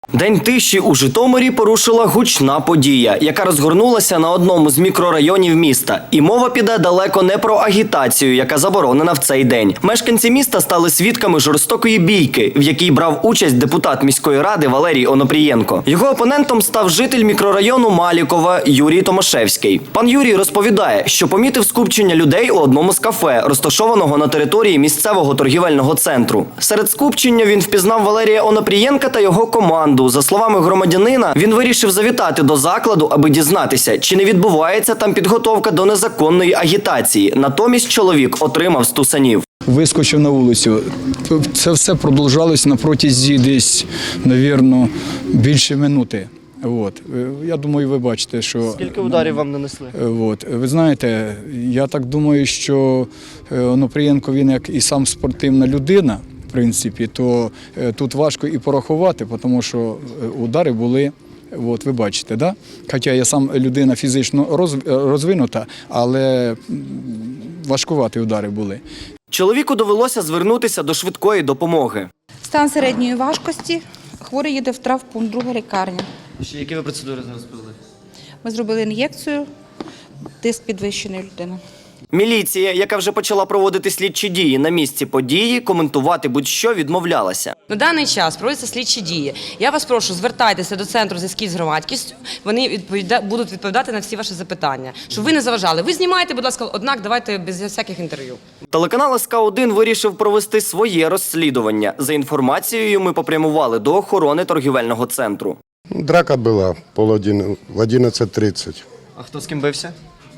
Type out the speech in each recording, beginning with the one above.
День тиші у Житомирі порушила гучна подія, яка розгорнулася на одному з мікрорайонів міста. І мова піде далеко не про агітацію, яка заборонена в цей день. Мешканці міста стали свідками жорстокої бійки, в якій брав участь депутат міської ради Валерій Онопрієнко. Його опонентом став житель мікрорайону Малікова Юрій Томашевський. Пан Юрій розповідає, що помітив скупчення людей у одному з кафе, розташованого на території місцевого торгівельного центру. Серед скупчення він впізнав Валерія Онопрієнка та його команду. За словами громадянина, він вирішив завітати до закладу, аби дізнатися, чи не відбувається там підготовка до незаконної агітації. Натомість чоловік отримав стусанів. Вискочив на вулицю. Це все продовжалось на протязі десь, мабуть, більше минути. Я думаю, ви бачите, що... Скільки ударів вам нанесли? Ви знаєте, я так думаю, що Онопрієнко, він як і сам спортивна людина, в принципі, то тут важко і порахувати, тому що удари були, ви бачите, да? Хоча я сам людина фізично розвинута, але важкуваті удари були. Чоловіку довелося звернутися до швидкої допомоги. Стан середньої важкості. Хворий їде в травмпункт, друга лікарня. Які ви процедури зараз провели? Ми зробили ін'єкцію, тиск підвищений у людини. Міліція, яка вже почала проводити слідчі дії на місці події, коментувати будь-що відмовлялася. На даний час проводяться слідчі дії. Я вас прошу, звертайтеся до Центру зв'язків з громадськістю, вони будуть відповідати на всі ваші запитання. Щоб ви не заважали. Ви знімаєте, будь ласка, однак давайте без всяких інтерв'ю. Телеканал СК1 вирішив провести своє розслідування. За інформацією, ми попрямували до охорони торгівельного центру. Драка була в 11:30. А хто з ким бився?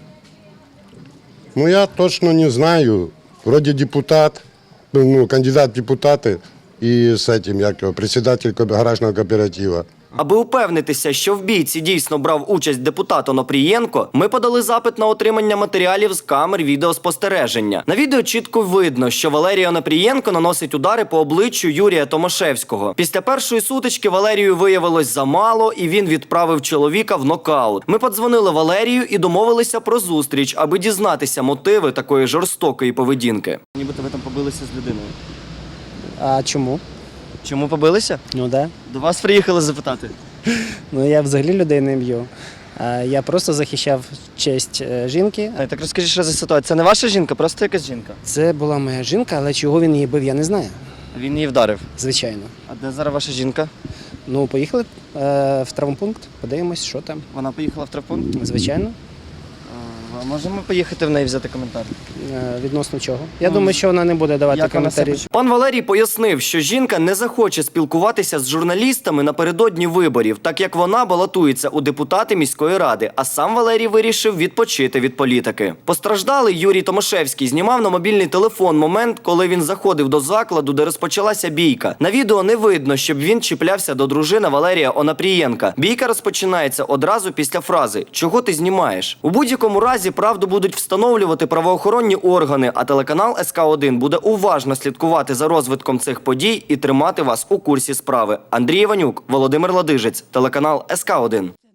Я точно не знаю. Вроде депутат, кандидат в депутаты и с этим, председатель гаражного кооператива. Аби упевнитися, що в бійці дійсно брав участь депутат Онопрієнко, ми подали запит на отримання матеріалів з камер відеоспостереження. На відео чітко видно, що Валерій Онопрієнко наносить удари по обличчю Юрія Томашевського. Після першої сутички Валерію виявилось замало, і він відправив чоловіка в нокаут. Ми подзвонили Валерію і домовилися про зустріч, аби дізнатися мотиви такої жорстокої поведінки. Нібито ви там побилися з людиною. А чому? Чому побилися? Ну да. До вас приїхали запитати. Ну я взагалі людей не б'ю. Я просто захищав честь жінки. Так розкажіть, що за ситуація? Це не ваша жінка, просто якась жінка. Це була моя жінка, але чого він її бив, я не знаю. Він її вдарив. Звичайно. А де зараз ваша жінка? Ну, поїхали в травмпункт, подивимось, що там. Вона поїхала в травмпункт? Звичайно. А можемо поїхати в неї взяти коментар? Відносно чого? Я думаю, що вона не буде давати як вона коментарі. себе Пан Валерій пояснив, що жінка не захоче спілкуватися з журналістами напередодні виборів, так як вона балотується у депутати міської ради, а сам Валерій вирішив відпочити від політики. Постраждалий Юрій Томашевський знімав на мобільний телефон момент, коли він заходив до закладу, де розпочалася бійка. На відео не видно, щоб він чіплявся до дружини Валерія Онопрієнка. Бійка розпочинається одразу після фрази «Чого ти знімаєш?». У будь-якому разі правду будуть встановлювати правоохоронні органи, а телеканал СК1 буде уважно слідкувати за розвитком цих подій і тримати вас у курсі справи. Андрій Іванюк, Володимир Ладижець, телеканал СК1.